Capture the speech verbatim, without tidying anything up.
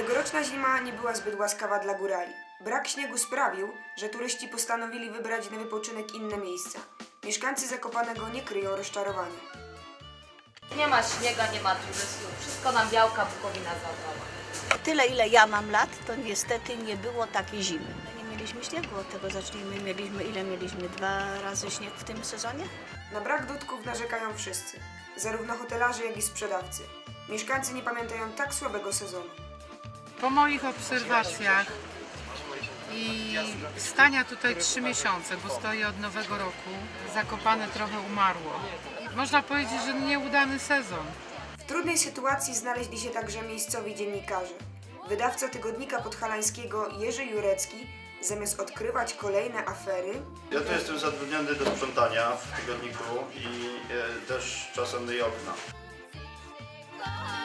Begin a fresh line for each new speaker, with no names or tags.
Tegoroczna zima nie była zbyt łaskawa dla górali. Brak śniegu sprawił, że turyści postanowili wybrać na wypoczynek inne miejsca. Mieszkańcy Zakopanego nie kryją rozczarowania.
Nie ma śniega, nie ma turystów. Wszystko nam Białka Bukowina zabrała.
Tyle, ile ja mam lat, to niestety nie było takiej zimy. Nie mieliśmy śniegu, od tego zacznijmy. Mieliśmy, ile mieliśmy? Dwa razy śnieg w tym sezonie?
Na brak dudków narzekają wszyscy, zarówno hotelarze, jak i sprzedawcy. Mieszkańcy nie pamiętają tak słabego sezonu.
Po moich obserwacjach i stania tutaj trzy miesiące, bo stoję od nowego roku, Zakopane trochę umarło. Można powiedzieć, że nieudany sezon.
W trudnej sytuacji znaleźli się także miejscowi dziennikarze. Wydawca tygodnika podhalańskiego Jerzy Jurecki, zamiast odkrywać kolejne afery,
Ja tu jestem zatrudniony do sprzątania w tygodniku i e, też czasem myję okna.